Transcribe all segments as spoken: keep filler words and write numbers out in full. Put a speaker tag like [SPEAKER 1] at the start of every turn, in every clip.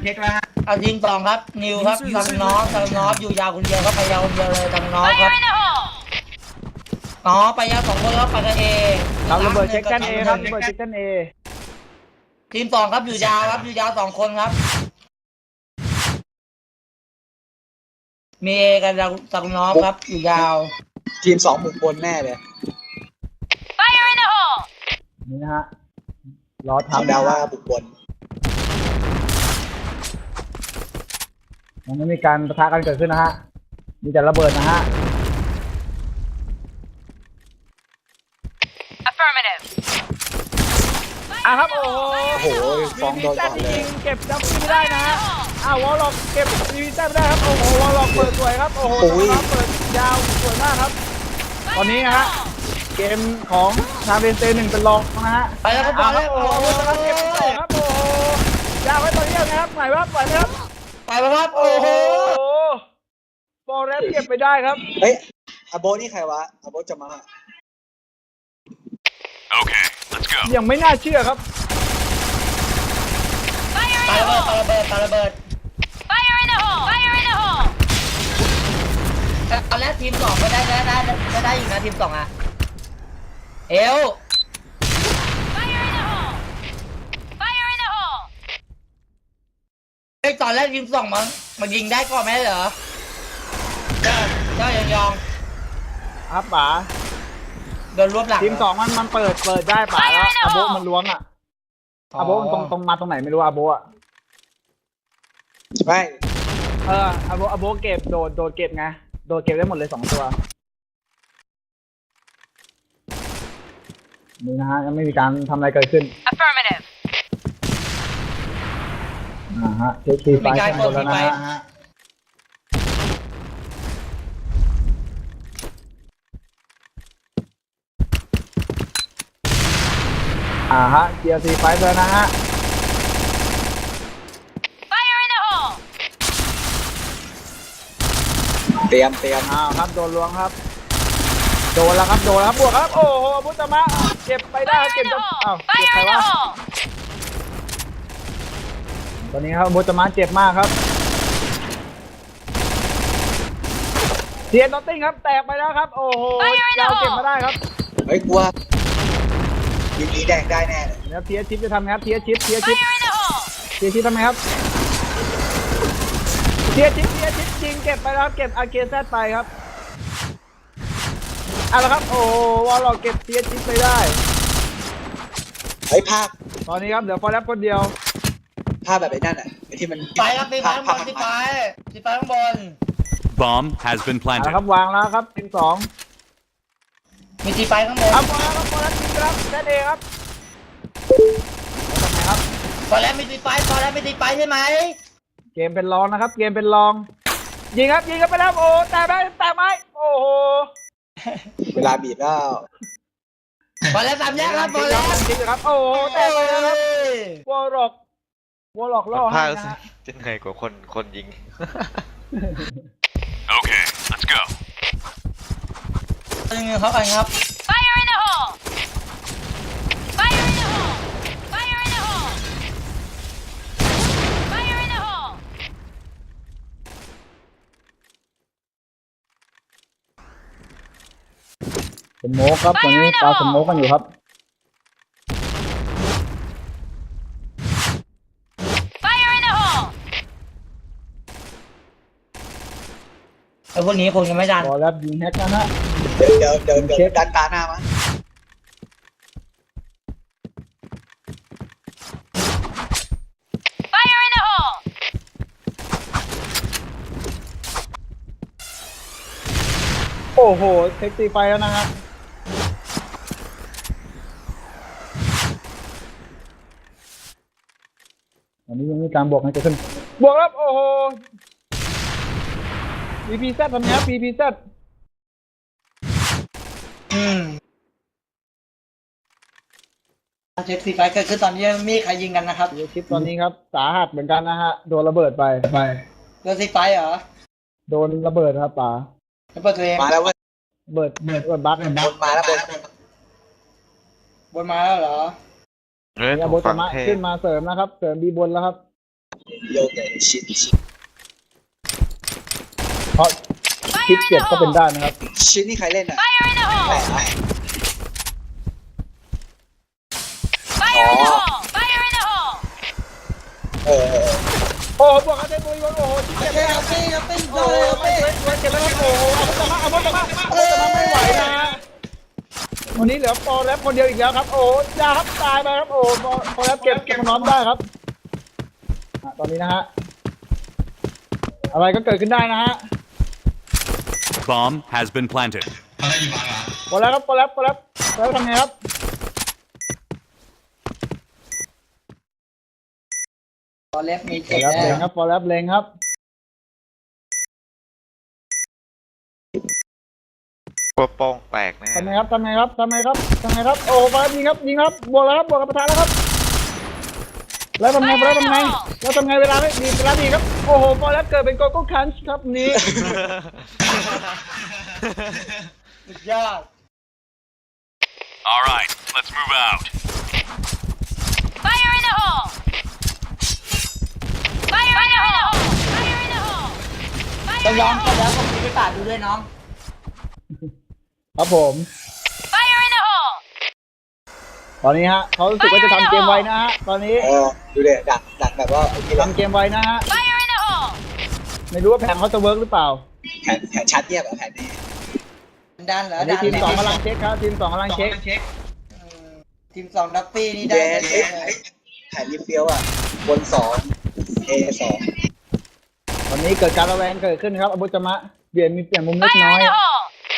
[SPEAKER 1] เช็คแล้วฮะ
[SPEAKER 2] เอาทีมสองครับนิวครับตังน้องตังน้องอยู่ยาวคนเดียวครับไปยาวคนเดียวเลยตังน้องครับน้องไปยาวสองคนครับไปกันเอ
[SPEAKER 3] เราระเบิดเช็คกันเอครับระเบิดเช็คกันเอ
[SPEAKER 2] ทีมสองครับอยู่ยาวครับอยู่ยาวสองคนครับมีเอกันตังน้องครับอยู่ยาว
[SPEAKER 4] ทีมสองหมุนบนแน่เลย
[SPEAKER 3] นี่นะฮะรอ
[SPEAKER 4] ทำ
[SPEAKER 3] ทำ
[SPEAKER 4] เดาว่าบุกบน
[SPEAKER 3] ยังไม่มีการปะทะกันเกิดขึ้นนะฮะมีแต่ระเบิดนะฮะ
[SPEAKER 5] Affirmative.
[SPEAKER 3] อ่ะครับโอ้โห
[SPEAKER 4] โอ้โหฟ้องโดนก่อนเลย
[SPEAKER 3] เก็บจับไม่ได้นะฮะอ้าววอลล็อกเก็บดีวิชั่นไม่ได้ครับโอ้โหวอลล็อกเปิดสวยครับโอ้โหเปิดยาวสวยมากครับตอนนี้นะฮะเกมของทางเบนเซหนึ่งเป็นรองนะฮะ
[SPEAKER 2] ไปแล้วครับบอลแล้ว
[SPEAKER 3] โอ้โหครับเก็บต่อครับโอ้โหยาวไว้ตอนนี้นะครับไหนวะปล่อยไหมครับ
[SPEAKER 2] ไปแล้วครับโอ้โห
[SPEAKER 3] ฟอร์เรสเก็บไปได้ครับ
[SPEAKER 4] เฮ้ยอาโบนี่ใครวะอาโบจะมา
[SPEAKER 6] Okay, let's go.
[SPEAKER 3] ยังไม่น่าเชื่อครับ
[SPEAKER 2] ปาระเบิดปาระเบิดปาระเบิด
[SPEAKER 5] Fire in the hole! Fire in the hole!
[SPEAKER 2] ตอนแรกทีมสองก็ได้ได้ได้ได้ได้อยู่นะทีมสองอ่ะเอว
[SPEAKER 5] Fire in the hole! Fire in the hole!
[SPEAKER 2] ไอ้ตอนแรกทีมสองมันมันยิงได้ก่อนไหมเหรอเจ้าเจ้ายองยอง
[SPEAKER 3] ครับป๋า
[SPEAKER 2] โดนรวบหลัง
[SPEAKER 3] ทีมสองมันมันเปิดเปิดได้ป๋าแล้วอาโบมันล้วงอ่ะอาโบมันตรงตรงมาตรงไหนไม่รู้อาโบอ่ะ
[SPEAKER 4] ไม่
[SPEAKER 3] เอออาโบอาโบเก็บโดดโดดเก็บไงโดดเก็บได้หมดเลยสองตัวนี่นะฮะยังไม่มีการทำอะไรเกิดขึ้น
[SPEAKER 5] Affirmative.
[SPEAKER 3] อ่าฮะเช็คทีไฟล์กันหมดแล้วนะฮะอ่าฮะเกียร์ซีไฟเลยนะฮะ
[SPEAKER 5] Fire in the hole!
[SPEAKER 4] เตรียมเตรียม
[SPEAKER 3] อ้าวครับโดนล้วงครับโดนแล้วครับโดนแล้วครับบวกครับโอ้โหพุทธมะเก็บไปได้
[SPEAKER 5] Fire
[SPEAKER 3] เก็บ
[SPEAKER 5] in
[SPEAKER 3] จ
[SPEAKER 5] the
[SPEAKER 3] น
[SPEAKER 5] hole!
[SPEAKER 3] อ้าวเก็บ
[SPEAKER 5] Fire
[SPEAKER 3] ใคร
[SPEAKER 5] in the
[SPEAKER 3] วะ
[SPEAKER 5] hole!
[SPEAKER 3] ตอนนี้ครับพุทธมะเจ็บมากครับเทียนนอตติ้งครับแตกไปแล้วครับโอ้โหเราเก็บมาได้ครับ
[SPEAKER 4] เฮ้ยกลัวยิงนี้แดงได้แน่เลย
[SPEAKER 3] แล้วเทียชิปจะทำไงครับเทียชิปเทียชิป
[SPEAKER 5] Fire in the hole!
[SPEAKER 3] เทียชิปทำไงครับเทียชิปเทียชิปจริงเก็บไปแล้วครับเก็บอาเกซไปครับเอาละครับโอ้วอลเราเก็บเทียชิปไปได้
[SPEAKER 4] เฮ้ยภาพ
[SPEAKER 3] ตอนนี้ครับเดี๋ยวฟอร์แลบคนเดียว
[SPEAKER 4] ภาพแบบไอ้นั่นอ่ะไอ้ที่มัน
[SPEAKER 2] ไปครับตีไฟข้างบนตีไฟตีไฟข้างบน
[SPEAKER 6] Bomb has been
[SPEAKER 3] เอาละ
[SPEAKER 6] planted.
[SPEAKER 3] ครับวางแล้วครับทีมสอง
[SPEAKER 2] มีตีไฟข้างบน
[SPEAKER 3] เอาฟอร์แลบครับฟอร์แลบจริงครับแค่เองครับแล้วทำไงครับ
[SPEAKER 2] ตอนแรกมีตีไฟตอนแรกมีตีไฟใช่ไหม
[SPEAKER 3] เกมเป็นรองนะครับ เกมเป็นรอง ยิงครับยิงกันไปแล้วโอ้แต่ไหมแต่ไหมโอ้โห
[SPEAKER 4] เวลาบีบแล้ว
[SPEAKER 2] ตอนแรกสามแยกครับตอนแรก
[SPEAKER 3] จริงครับโอ้โหแต่ไปแล้วครับวอลล็อกวอลล็อกล่อให้
[SPEAKER 7] ภาค
[SPEAKER 3] นะฮะ
[SPEAKER 7] จะเหนื่อยกว่าคนคนยิง
[SPEAKER 6] Okay, let's go.
[SPEAKER 2] ยิงเขากันครับ
[SPEAKER 5] Fire in the hole! Fire in the hole! Fire in the hole! Fire in the hole!
[SPEAKER 3] สโมกครับตอนนี้ปาสโมกกันอยู่ครับ
[SPEAKER 5] Fire in the hole!
[SPEAKER 2] ไอ้พวกนี้คงยังไม่ดัน
[SPEAKER 3] บอลแล้วยิงแฮกนะฮะ
[SPEAKER 4] เดี๋ยวเดี๋ยวเดี๋ยวเดี๋ยวดันตาหน้ามา
[SPEAKER 5] Fire in the hole!
[SPEAKER 3] โอ้โหเทคตีไฟแล้วนะฮะตอนนี้ยังมีการบวกให้เกิดขึ้นบวกครับโอ้โห พี พี แซด ทำไงครับ พี พี แซด
[SPEAKER 2] อืมเช็คตีไฟเกิดขึ้นตอนนี้มีใครยิงกันนะครับ
[SPEAKER 3] เสียชิปตอนนี้ครับสาหัสเหมือนกันนะฮะโดนระเบิดไปไป
[SPEAKER 2] โดนตีไฟเหรอ
[SPEAKER 3] โดนระเบิดครับป๋า
[SPEAKER 2] แล้วเปิดตัวเอง
[SPEAKER 4] มาแล้วเว่า
[SPEAKER 3] ระเบิดระเบิดบั๊กเนี่ย
[SPEAKER 4] บนมาแล้วบน
[SPEAKER 2] บนมาแล้วเหรอ
[SPEAKER 7] เฮ้ย
[SPEAKER 3] เนี่ย
[SPEAKER 7] ถู
[SPEAKER 3] โบ
[SPEAKER 7] ก
[SPEAKER 3] ต
[SPEAKER 7] ฝั่ง
[SPEAKER 3] มะ
[SPEAKER 7] เทพ
[SPEAKER 3] ขึ้นมาเสริมนะครับ เสริมบีบนแล้วครับ
[SPEAKER 4] โยกเลยชิดชิด
[SPEAKER 3] เพราะคิดเจ็บก็เป็นได้นะครับ
[SPEAKER 4] ชิดนี่ใครเล่นอ่ะ
[SPEAKER 5] Fire in the
[SPEAKER 4] แปล
[SPEAKER 5] hole!
[SPEAKER 4] กไหม
[SPEAKER 5] Fire in the hole! Fire in the hole!
[SPEAKER 4] เออ
[SPEAKER 3] โอ้บวกกันได้บุยโอ้โหคิดเจ็บ
[SPEAKER 2] เอา
[SPEAKER 3] แล้ว
[SPEAKER 2] เป้เอาเป้
[SPEAKER 3] โอ้
[SPEAKER 2] เอา
[SPEAKER 3] โห
[SPEAKER 2] เป้เอาเป้
[SPEAKER 3] เจ็บแล้วครับโอ้โหเอาพุทธมะเอาพุทธมะเอาพุทธมะไม่ไหวนะฮะวันนี้เหลือปอแรปคนเดียวอีกแล้วครับโอ้ยาครับตายไปครับโอ้ปอแรปเก็บเก็บน้อมได้ครับตอนนี้นะฮะอะไรก็เกิดขึ้นได้นะฮะ
[SPEAKER 6] Bomb has been planted.
[SPEAKER 3] ปอแรปครับปอแรปปอแรปปอแรปทำไงครับ
[SPEAKER 2] ตอนเล็บมี
[SPEAKER 3] ป
[SPEAKER 2] เจ็
[SPEAKER 3] อบ แรปเลง
[SPEAKER 2] แล้
[SPEAKER 3] คว รับปอแรปเลงครับ
[SPEAKER 7] ตัวโป้งแตกแน่
[SPEAKER 3] ทำไงครับทำไงครับทำไงครับทำไงครับโอ้ปอแรปยิงครับยิงครับบวกแล้วครับบวกกับประธานแล้วครับแล้วทำไงแล้วทำไงแล้วทำไงเวลาไม่ดีเวลาดีครับโอ้โหปอแรปเกิดเป็นโกโก้คันช์ครับนี้
[SPEAKER 2] สุดยอด
[SPEAKER 6] All right, let's move out.
[SPEAKER 5] Fire in the hole! Fire in the hole! Fire in the hole!
[SPEAKER 2] จะ
[SPEAKER 5] Fire
[SPEAKER 2] ย้อ
[SPEAKER 5] in
[SPEAKER 2] ม
[SPEAKER 5] the
[SPEAKER 2] ก็แล้ว
[SPEAKER 5] hole!
[SPEAKER 2] ก็มีไปตาดูด้วยน้อง
[SPEAKER 3] ครับผม
[SPEAKER 5] Fire in the hole!
[SPEAKER 3] ตอนนี้ฮะเขารู้สึกว่าจะทำเกมไวนะฮะตอนนี้
[SPEAKER 4] เออดูเลยดักดักแบบว่าโอเคแล้ว
[SPEAKER 3] ทำเกมไวนะฮะ
[SPEAKER 5] Fire in the hole!
[SPEAKER 3] ไม่รู้ว่าแผนเขาจะเวิร์กหรือเปล่า
[SPEAKER 4] แผนแผนชัดเงียบอะแผนนี้
[SPEAKER 2] ดันเหรอ
[SPEAKER 3] อันนี้
[SPEAKER 2] ดัน
[SPEAKER 3] ทีมสองกำลังเช็คครับทีมสองกำลังเช็ค
[SPEAKER 2] ทีมสองดับปี้นี่
[SPEAKER 4] เด
[SPEAKER 2] ได้
[SPEAKER 4] นเอ้ยเอ้ยแผนรีเฟียวอ่ะบนสองเอสอง
[SPEAKER 3] ตอนนี้เกิดการระแวงเกิดขึ้นครับอบุจมะเปลี่ยนมีเปลี่ยนมุมเล็ก
[SPEAKER 5] Fire
[SPEAKER 3] น้อ
[SPEAKER 5] in
[SPEAKER 3] ย
[SPEAKER 5] the hole!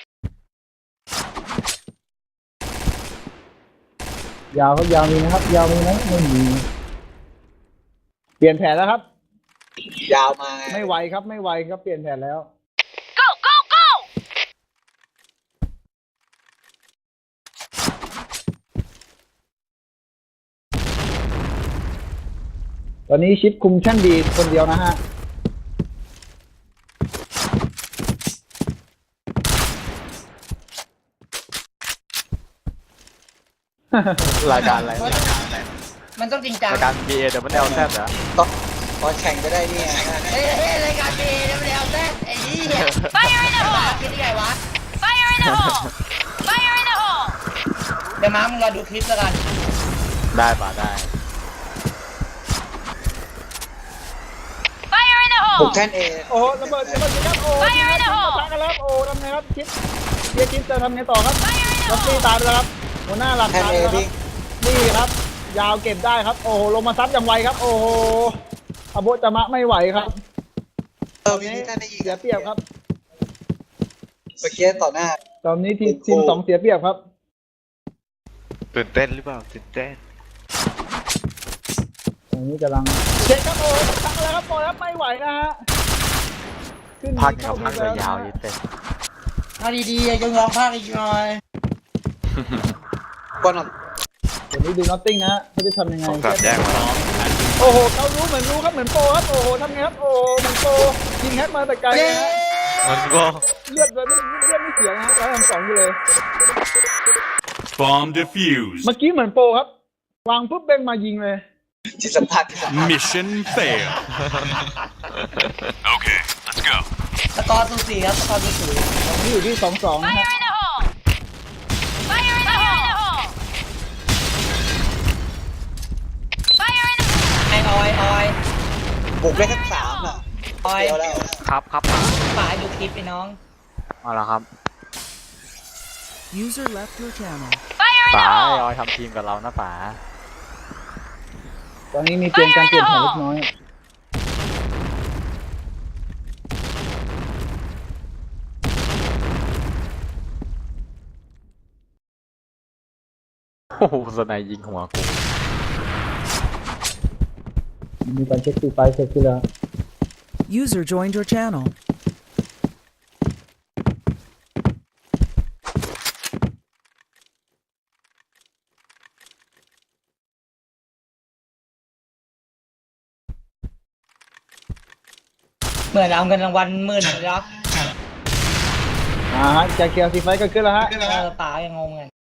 [SPEAKER 3] ยาวครับยาวมีนะครับ ยาวมีไหมไม่มีเปลี่ยนแผนแล้วครับ
[SPEAKER 4] ยาวมา
[SPEAKER 3] ไม่ไหวครับไม่ไหวครับเปลี่ยนแผนแล้ว
[SPEAKER 5] Go, go, go!
[SPEAKER 3] ตอนนี้ชิปคุมชั่นดีคนเดียวนะฮะ
[SPEAKER 7] รายการอะไร
[SPEAKER 2] มันต้องจริงจัง
[SPEAKER 7] รายการ บี เอ ดับเบิลแอล แซดเหรอ
[SPEAKER 4] ตอนตอนแข่งก็ได้เนี่ย
[SPEAKER 2] เฮ้ยเฮ้ยรายการบีแล้วไม่ได้เอาแท้ไอ้นี่เนี่ย
[SPEAKER 5] Fire in the
[SPEAKER 2] มา
[SPEAKER 5] hole!
[SPEAKER 2] คิดได้ไงวะ
[SPEAKER 5] Fire in the hole! Fire in the hole!
[SPEAKER 2] เดี๋ยวมามึงรอดูคลิปแล้วกัน
[SPEAKER 7] ได้ป่ะได้
[SPEAKER 5] Fire in the
[SPEAKER 4] ผม
[SPEAKER 5] hole!
[SPEAKER 4] แท่นเอ
[SPEAKER 3] โอ้โหระเบิดระเบิดครับโอ้
[SPEAKER 5] Fire in the
[SPEAKER 3] ทีม
[SPEAKER 5] hole
[SPEAKER 3] ปะทะกันแล้วครับโอ้ทำไงครับชิปเบียร์ชิปจะทำไงต่อครับ
[SPEAKER 5] Fire in the
[SPEAKER 3] ลักซี่
[SPEAKER 5] hole!
[SPEAKER 3] ตายไปแล้วครับหัวหน้าหลัก
[SPEAKER 4] แท่น
[SPEAKER 3] ตาย
[SPEAKER 4] เอ
[SPEAKER 3] ไปแล้วครั
[SPEAKER 4] วิ่
[SPEAKER 3] บ
[SPEAKER 4] ง
[SPEAKER 3] นี่ครับ ยาวเก็บได้ครับ โอ้โหลงมาซัดอย่างไวครับ โอ้โหอโบจามะไม่ไหวครับ
[SPEAKER 4] เออวิธีแท่นได้อีก
[SPEAKER 3] เสียเปรียบครับ
[SPEAKER 4] เมื่อกี้ต่อหน้า
[SPEAKER 3] ตอนนี้ทีมทีมสองเสียเปรียบครับ
[SPEAKER 7] ตื่นเต้นหรือเปล่าตื่นเต้น
[SPEAKER 3] ตอนนี้กำลังเช็คครับโอ้พักแล้วครับปล่อยครับไม่ไหวนะฮะขึ้น
[SPEAKER 7] พัก
[SPEAKER 3] เข้า
[SPEAKER 7] กับพัก
[SPEAKER 3] ไปแล้ว
[SPEAKER 7] ยาว
[SPEAKER 3] นะ
[SPEAKER 7] ๆ
[SPEAKER 3] ฮะ
[SPEAKER 7] ยิ่งเต้น
[SPEAKER 2] เอาดีๆยังร้องภาคอีกหน่อย
[SPEAKER 4] ก่อนอ่ะ
[SPEAKER 3] เดี๋ยวนี้ดูนอตติ้งนะฮะเขาจะทำยังไง
[SPEAKER 7] สองสามแยกมาแล้ว
[SPEAKER 3] โอ้โหเขารู้เหมือนรู้ครับเหมือนโปรครับโอ้โหทำไงครับโอ้โหเหมือนโปรยิงแฮกมาแต่ไกล
[SPEAKER 2] เย้
[SPEAKER 3] นะฮะ
[SPEAKER 7] มันก็
[SPEAKER 3] เลือดเลยไม่เลือดไม่เสียนะฮะร้อยทำสองอยู่เลย
[SPEAKER 6] Bomb defused.
[SPEAKER 3] เมื่อกี้เหมือนโปรครับ วางปุ๊บเบ้งมายิงเลย
[SPEAKER 4] จิตสัมผัสจิตสัมผัส
[SPEAKER 6] Mission failed. Okay, let's go.
[SPEAKER 2] สกอร์สูสีครับสกอร์สูสี
[SPEAKER 3] ตอนนี้อยู่ที่สองสองนะฮะ
[SPEAKER 5] Fire in the hole! Fire in the hole! Fire in the
[SPEAKER 2] ไอออยออย
[SPEAKER 4] บุกได้ทั้งสามอ่ะ
[SPEAKER 2] ออย
[SPEAKER 4] เดียวแล้ว
[SPEAKER 7] ครับครับ
[SPEAKER 2] ฝ่ายดูคลิปไปน้อง
[SPEAKER 7] เอาละครับ
[SPEAKER 1] User left your channel.
[SPEAKER 5] Fire in
[SPEAKER 7] ป๋า
[SPEAKER 5] the
[SPEAKER 7] ไอ
[SPEAKER 5] hole!
[SPEAKER 7] ออยทำทีมกับเรานะป๋า
[SPEAKER 3] ตอนนี้มีเปลี่ยนการเปลี่ยนแผนเล็กน้อย
[SPEAKER 7] โอ้โหสไนยิงหัวกู
[SPEAKER 3] มีการเช็คตีไฟเสร็จขึ้นแล้ว
[SPEAKER 1] User joined your channel.
[SPEAKER 2] เหมือนเอาเงินรางวัลหมื่นเลยเหรอ
[SPEAKER 3] อ่าฮะจะเคลียร์ตีไฟก็ขึ้นแล้วฮะ
[SPEAKER 2] เออป๋ายังงงเลย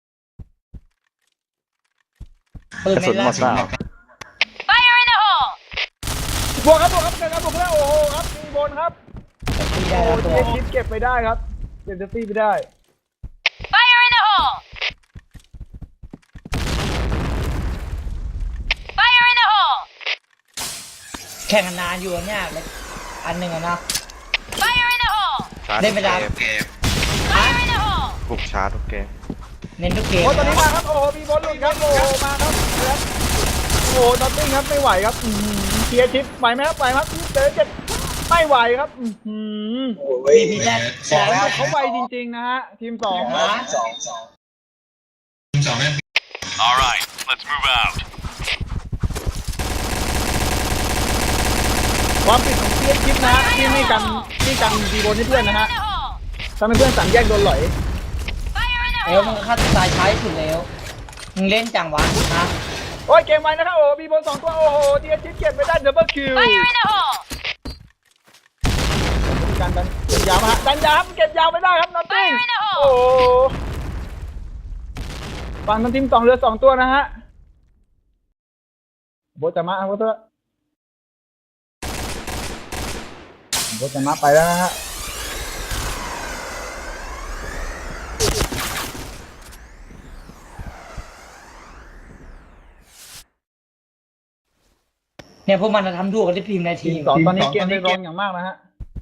[SPEAKER 2] ปืน
[SPEAKER 7] กระ
[SPEAKER 2] ไม่
[SPEAKER 7] สุนหม
[SPEAKER 2] ลั่
[SPEAKER 7] ดเปล่า
[SPEAKER 2] น
[SPEAKER 5] Fire in the hole!
[SPEAKER 3] โวกครับบวกครับเกิดการบวกแล้วโอ้โหครับมีบนครับ
[SPEAKER 2] ตี
[SPEAKER 3] โอ้
[SPEAKER 2] ได้
[SPEAKER 3] โห
[SPEAKER 2] แล้วตัว
[SPEAKER 3] เทียชิปเก็บไปได้ครับเก็บเซฟตี้ไปได้
[SPEAKER 5] Fire in the hole! Fire in the hole!
[SPEAKER 2] แข่งกันนานอยู่เนี่ยอันหนึ่งอะนะ
[SPEAKER 5] Fire in the hole!
[SPEAKER 7] ชาร์จ
[SPEAKER 2] เล่นเวลา
[SPEAKER 7] ทุกเกม
[SPEAKER 5] Fire in the hole!
[SPEAKER 7] บุกชาร์จทุกเกม
[SPEAKER 2] เน้นทุกเกม
[SPEAKER 3] โอ้ตอนนี้มาครับโอ้โหมีบอลหลุดครับโอ้โหมาครับครับโอ้โหนอตติ้งครับไม่ไหวครับอืมเทียชิปไหวไหมครับไหวครับเจอเจ็ดไม่ไหวครับอืม
[SPEAKER 4] โอ้ย
[SPEAKER 2] พีแรก
[SPEAKER 4] สองแล้ว
[SPEAKER 3] เขาไวจริงๆนะฮะทีมสอง
[SPEAKER 2] นะ
[SPEAKER 4] สองสอง
[SPEAKER 6] All right, let's move out.
[SPEAKER 3] ความผิดของเทียชิปนะฮะที่ไม่กันที่กันดีบนให้เพื่อนนะ
[SPEAKER 5] Fire
[SPEAKER 3] ฮะ
[SPEAKER 5] in the hole!
[SPEAKER 3] ทำให้เพื่อนสั่งแยกโดนหลอย
[SPEAKER 5] Fire in the
[SPEAKER 2] เอว
[SPEAKER 5] hole!
[SPEAKER 2] มึงฆ่าตัวตายช้าที่สุดแล้วมึงเล่นจังวะนะ
[SPEAKER 3] โอ้ยเกมไวนะครับโอ้มีบนสองตัวโอ้โหเทียชิปเก็บไปได้ดับเบิลคิว
[SPEAKER 5] Fire in the hole!
[SPEAKER 3] การดันเก็บยาวมาฮะดันยาวครับเก็บยาวไม่ได้ครับนอตติ้ง
[SPEAKER 5] Fire in the hole
[SPEAKER 3] โอ้โหฝั่งทางทีมสองเรือสองตัวนะฮะโบจะมาโบจะโบจะมาไปแล้วนะฮะ
[SPEAKER 2] เนี่ยพวกมันจะทำถูกกันที่พิมพ์ในที
[SPEAKER 3] ทีม
[SPEAKER 2] ม
[SPEAKER 3] สองตอนนี้เกมได้ร้อนอย่างมากนะฮะ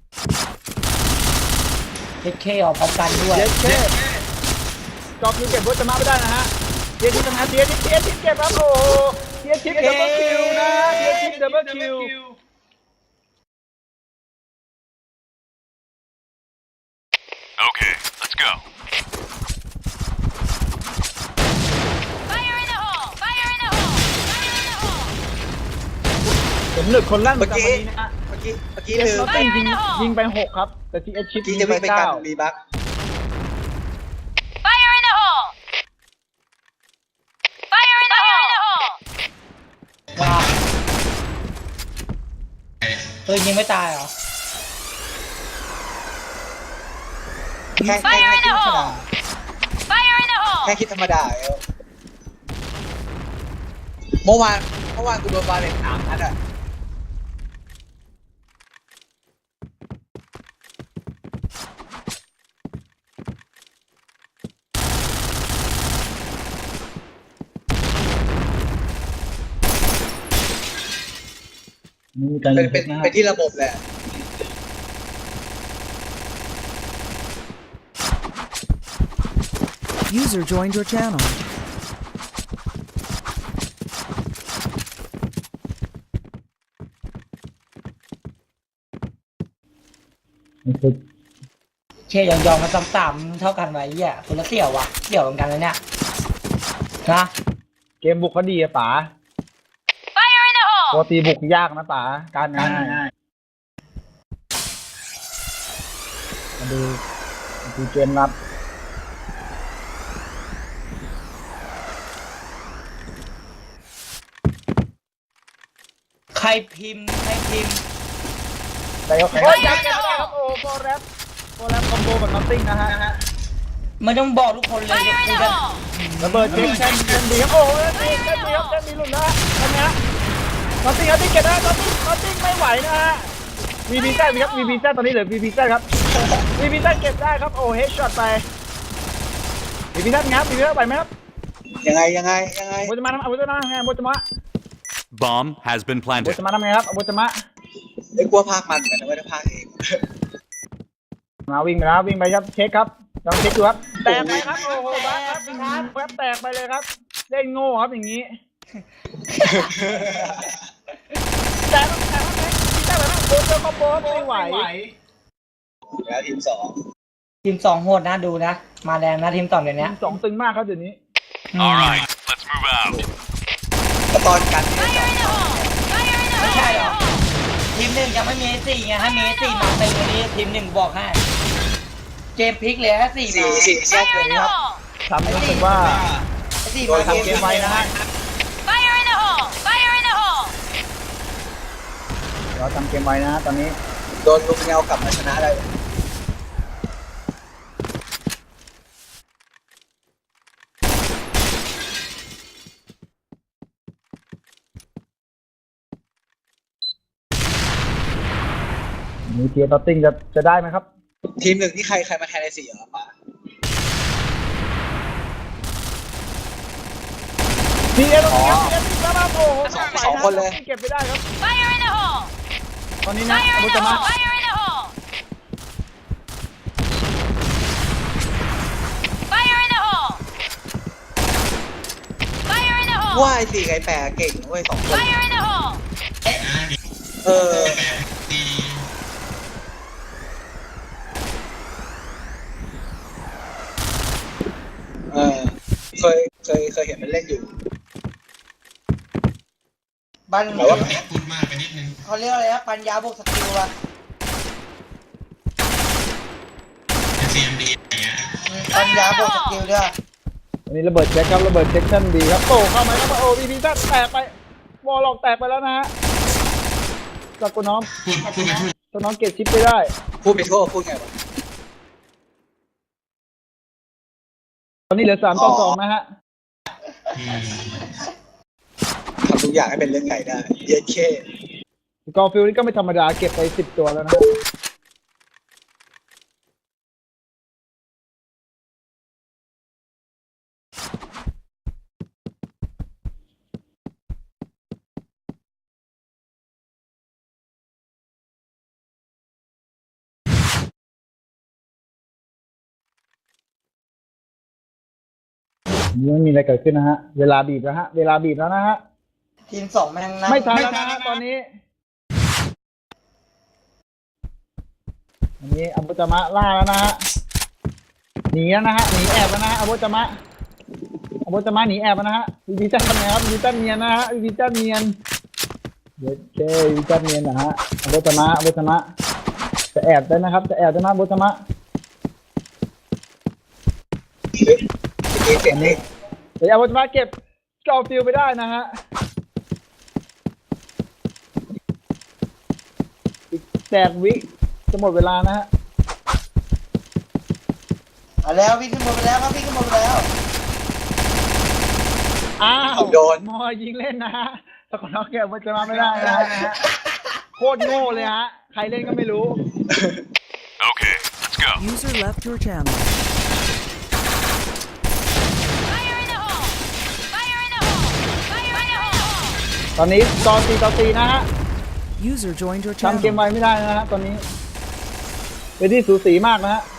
[SPEAKER 2] เอเคออกพร้อมกันด้วย
[SPEAKER 3] เจสเคจอบคิวเก็บโบจะมาไม่ได้นะฮะเทียชิปทำงานเทียชิปเทียชิปเก็บครับโอ้โหเทียชิปดับเบิลคิวนะเทียชิปดับเบิลคิว
[SPEAKER 6] Okay, let's go.
[SPEAKER 5] Fire in the hole! Fire in the hole! Fire in the hole!
[SPEAKER 3] ผมหนึกคนลั่นป
[SPEAKER 4] เมื่
[SPEAKER 3] ระ
[SPEAKER 4] อ
[SPEAKER 3] จำ
[SPEAKER 4] กี้
[SPEAKER 3] วันนี้นะฮะ
[SPEAKER 4] เมื่อกี้เมื่อกี้
[SPEAKER 3] เอ
[SPEAKER 4] ลื
[SPEAKER 3] ส
[SPEAKER 4] ม
[SPEAKER 3] โนตติ้งยิงยิงไปหกครับ แต่ทีเอชิป
[SPEAKER 4] เมื่อกี้
[SPEAKER 3] ยิ
[SPEAKER 4] จะ
[SPEAKER 3] ง
[SPEAKER 4] ไป
[SPEAKER 3] ไป
[SPEAKER 4] เป็นกา
[SPEAKER 3] เก้าร
[SPEAKER 4] มีบั๊ก
[SPEAKER 5] Fire in the hole! Fire in the hole!
[SPEAKER 2] ว้าวเออยิงไม่ตายเหรอ
[SPEAKER 4] แค่แค่
[SPEAKER 5] Fire
[SPEAKER 4] แค่
[SPEAKER 5] in
[SPEAKER 4] คิ
[SPEAKER 5] the
[SPEAKER 4] ดธรรมดา
[SPEAKER 5] hole! Fire in the hole!
[SPEAKER 4] แค่คิดธรรมดาเออเมื่อวานเมื่อวานกูโดนบาเลนสามนัดอ่ะ
[SPEAKER 3] นี่มีการ
[SPEAKER 4] เป็
[SPEAKER 3] ยิ
[SPEAKER 4] น
[SPEAKER 3] ง
[SPEAKER 4] เป็น
[SPEAKER 3] นะฮะ
[SPEAKER 4] เป็นที่ระบบแหละ
[SPEAKER 1] User joined your channel.
[SPEAKER 2] เชี่ยยอมยอมมาต่ำๆเท่ากันไว้เหี้ยคนละเสี่ยววะเสี่ยวเหมือนกันเลยเนี่ยนะ
[SPEAKER 3] เกมบุกเขาดีอะป๋า
[SPEAKER 5] Fire in the
[SPEAKER 3] ปก
[SPEAKER 5] hole!
[SPEAKER 3] ติบุกยากนะป๋าการงานง่ายมาดูมาดูเกมรับ
[SPEAKER 2] ใครพิมพ์ใครพิมพ์
[SPEAKER 3] แต่ก็โอ้ยยังเก็บไม่ได้ครับโอ้โฟร์แรปโฟร์แรปคอมโบกับนอตติ้งนะฮะ
[SPEAKER 2] ไม่ต้องบอกทุกคนเลย
[SPEAKER 5] Fire
[SPEAKER 2] เดี๋ยว
[SPEAKER 5] in
[SPEAKER 2] กู
[SPEAKER 5] the
[SPEAKER 2] จะ
[SPEAKER 5] hole!
[SPEAKER 3] ระเบิดเชนเชนเชนดีครับโอ้ยเชนเชนดีครับเชนดีหลุดนะฮะทำไงฮะนอตติ้งครับที่เก็บนะนอตติ้งนอตติ้งไม่ไหวนะฮะวีบีแซดครับวีบีแซดตอนนี้เหลือวีบีแซดครับวีบีแซดเก็บได้ครับโอ้เฮดช็อตไปวีบีแซดงับวีบีแซดไปไหมครับ
[SPEAKER 4] ยังไงยังไงยังไง
[SPEAKER 3] โบจะมาทำโบจะมาทำไงโบจะมา
[SPEAKER 6] Bomb has been
[SPEAKER 3] โบ
[SPEAKER 6] planted.
[SPEAKER 3] จะมาทำไงครับโบจะมา
[SPEAKER 4] ไอ้กลัวภาคมันเหมือนกันนะไม่ได้ภาคเอง
[SPEAKER 3] มาวิ่งไปแล้ววิ่งไปครับเช็คครับลองเช็คดูครับแตกไปครับโอ้โหบัสครับแวบแตกไปเลยครับเล่นโง่ครับอย่างนี้แต่ต้องแต่ต้องเช็คที่ได้แบบนั้นโบเจอคอมโบไม่ไหว
[SPEAKER 4] แล้วทีมสอง
[SPEAKER 2] ทีมสองโหดนะดูนะ มาแรงนะทีมสองเดี๋ยวนี้
[SPEAKER 3] สองตึงมากครับเดี๋ยวนี้
[SPEAKER 6] All right, let's move out.
[SPEAKER 4] แต่ตอนกันที่
[SPEAKER 5] Fire in the hole! Fire in the
[SPEAKER 2] ไม่ใช่หรอ
[SPEAKER 5] hole!
[SPEAKER 2] ทีมหนึ่งยังไม่มีสี่ไงถ้ามีสี่มาเต็มวันนี้ทีมหนึ่งบอกให้เกมพลิกเลยฮะสี่
[SPEAKER 4] สี่
[SPEAKER 2] มา
[SPEAKER 4] สี่แยก
[SPEAKER 5] Fire
[SPEAKER 4] เลย
[SPEAKER 5] in
[SPEAKER 4] ค
[SPEAKER 5] the
[SPEAKER 4] รับ
[SPEAKER 5] hole!
[SPEAKER 3] ทำรู้สึกว่า
[SPEAKER 2] สี่
[SPEAKER 3] โด
[SPEAKER 2] มาย
[SPEAKER 3] ทำเกมไวนะฮะ
[SPEAKER 5] Fire in the hole! Fire in the hole!
[SPEAKER 3] เราทำเกมไวนะฮะตอนนี้
[SPEAKER 4] โดนลุงเงากลับมาชนะได้
[SPEAKER 3] มีเทียร์ตัตติ้งจะจะได้ไหมครับ
[SPEAKER 4] ทีมหนึ่งที่ใครใครมาแทนในสี่เหรอป๋า
[SPEAKER 3] ทีเอสตรงนี้ครับทีเอสติดแล้วครับโอ้โห
[SPEAKER 4] สองสองคนเลย
[SPEAKER 3] เก็บไม่ได้ครับ
[SPEAKER 5] Fire in the hole!
[SPEAKER 3] ตอนนี้นะ
[SPEAKER 5] Fire
[SPEAKER 3] อา
[SPEAKER 5] in
[SPEAKER 3] บุ
[SPEAKER 5] the
[SPEAKER 3] ตมะ
[SPEAKER 5] hole! Fire in the hole! Fire in the hole! Fire in the hole!
[SPEAKER 4] ว่าไอ้สี่ไก่แปรเก่งนะเว้ยสองคน
[SPEAKER 5] Fire in the hole!
[SPEAKER 4] เออเออเคยเคยเคยเห็นมันเล่นอยู่
[SPEAKER 2] บัน
[SPEAKER 4] แต่ว่า
[SPEAKER 2] เขาเรียกอะไรนะปัญญาบวกสกิลอะปัญญาบวกสกิลด้วย
[SPEAKER 3] อันนี้ระเบิดเช็คครับระเบิดเช็คชั่นดีครับโอ้เข้ามาครับโอ้พีพีแตกไปวอลล็อกแตกไปแล้วนะฮะจากตัวน้องตัวน้องเก็บชิปไปได้
[SPEAKER 4] พูดไปโทษพูดไงวะ
[SPEAKER 3] ตอนนี้เหลือสามต่อสองนะฮะ
[SPEAKER 4] ทำทุกอย่างให้เป็นเรื่องใหญ่ได้เย็นเค
[SPEAKER 3] กอล์ฟฟิลนี่ก็ไม่ธรรมดาเก็บไปสิบตัวแล้วนะนี่ไม่มีอะไรเกิดขึ้นนะฮะเวลาบีบแล้วฮะเวลาบีบแล้วนะฮะ
[SPEAKER 2] ทีมสองแม่งนะ
[SPEAKER 3] ไม่ทันแล้วนะฮะตอนนี้อันนี้อับุจามะล่าแล้วนะฮะหนีแล้วนะฮะหนีแอบแล้วนะฮะอับุจามะอับุจามะหนีแอบแล้วนะฮะวิวิจันทำไงครับวิวิจันเนียนนะฮะวิวิจันเนียนเดี๋ยวเควิวิจันเนียนนะฮะอับุจามะอับุจามะจะแอบได้นะครับจะแอบได้นะอับุจามะ
[SPEAKER 4] เมื่อกี้เสียงเด็ก
[SPEAKER 3] เดี๋ยวอับุจามะเก็บกอล์ฟฟิลไปได้นะฮะอีกแตกวิจะหมดเวลานะฮะ
[SPEAKER 2] เอาแล้ววิ่งขึ้นบนไปแล้วครับวิ่งขึ้นบนไปแล้ว
[SPEAKER 3] อ้าว
[SPEAKER 4] โดน
[SPEAKER 3] มอยิงเล่นนะฮะแต่คนน้องแกมันจะมาไม่ได้นะฮะโคตรโง่เลยฮะใครเล่นก็ไม่รู้
[SPEAKER 6] Okay, let's go.
[SPEAKER 1] User left your channel.
[SPEAKER 5] Fire in the hole! Fire in the hole! Fire in the hole!
[SPEAKER 3] ตอนนี้ตอนตีต่อตีนะฮะ
[SPEAKER 1] User joined your
[SPEAKER 3] ทำเกม
[SPEAKER 1] channel.
[SPEAKER 3] ไวไม่ได้นะฮะตอนนี้เป็นที่สูสีมากนะฮะ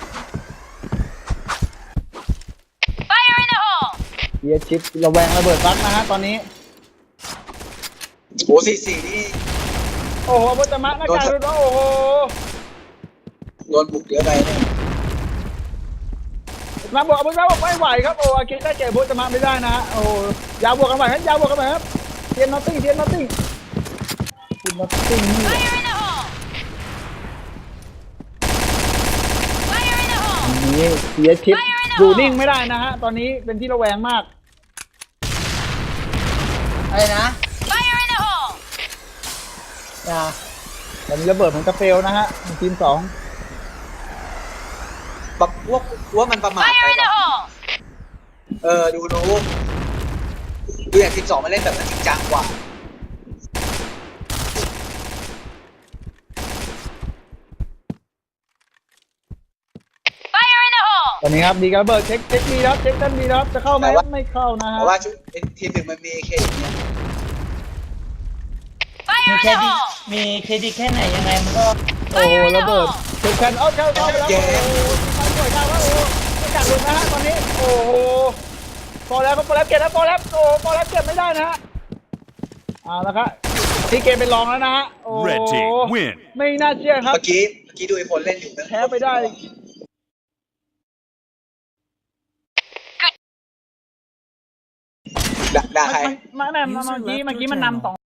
[SPEAKER 5] Fire in the hole!
[SPEAKER 3] เยียชิประแวงระเบิดฟักนะฮะตอนนี้
[SPEAKER 4] โอ้สี่สี่นี่
[SPEAKER 3] โอ้โหพุทธมะหน้ากากรุดโอ้โห
[SPEAKER 4] โดนบุกเยอะไปเนี่ย
[SPEAKER 3] มาบวกพุทธมะบอกไม่ไหวครับโอ้อากิได้เก็บพุทธมะไม่ได้นะฮะโอ้ยาวบวกกันไปครับยาวบวกกันไปครับเทียนนอตติ้งเทียนนอตติ้งเทียนนอตติ้งนี่
[SPEAKER 5] Fire in the hole! Fire in the hole!
[SPEAKER 3] นี่เสียชิปอยู่นิ่งไม่ได้นะฮะตอนนี้เป็นที่ระแวงมาก
[SPEAKER 2] อะไรนะ
[SPEAKER 5] Fire in the hole!
[SPEAKER 2] อย่า
[SPEAKER 3] ตอนนี้ระเบิดของกาเฟลนะฮะทีมสอง
[SPEAKER 4] แบบว่าว่ามันประมาทไป
[SPEAKER 5] Fire in
[SPEAKER 4] แบ
[SPEAKER 5] the
[SPEAKER 4] บ
[SPEAKER 5] hole!
[SPEAKER 4] เออดูโน้ดูอย่างทีมสองมาเล่นแบบนั้นจริงจังกว่า
[SPEAKER 5] Fire in the hole!
[SPEAKER 3] ตอนนี้ครับดีกับระเบิดเช็คเช็คดีครับเช็คด้านดีครับจะเข้าไหมครับไม่เข้านะ
[SPEAKER 4] เพ
[SPEAKER 3] ฮะ
[SPEAKER 4] ราะว่าชุดทีมหนึ่งมันมีเคอย่างเงี้ย
[SPEAKER 2] มี
[SPEAKER 5] Fire
[SPEAKER 2] เค
[SPEAKER 5] in
[SPEAKER 2] ร
[SPEAKER 5] the
[SPEAKER 2] ดิต
[SPEAKER 5] hole!
[SPEAKER 2] มีเครดิตแค่ไหนยังไงมันก็
[SPEAKER 3] โอ้โหระเบิดเช็คแคนเอาเข้าเข้าไปแล้วโอ้โหไปสวยงามครับโอ้โหไม่กัดหลุดนะฮะตอนนี้โอ้โหพอแล้วครับพอแล้วเก็บแล้วพอแล้วโอ้พอแล้วเก็บไม่ได้นะฮะเอาละครับที่เกมเป็นรองแล้วนะฮะโอ้
[SPEAKER 6] Red team win.
[SPEAKER 3] ไม่น่าเชื่อครับ
[SPEAKER 4] เมื่อกี้เมื่อกี้ดูไอ้คนเล่นอยู่นะ
[SPEAKER 3] แพ้ไปได้
[SPEAKER 4] ด่าด่าใคร
[SPEAKER 3] มันมันเมื่อกี้เมื่อกี้มันนำสอง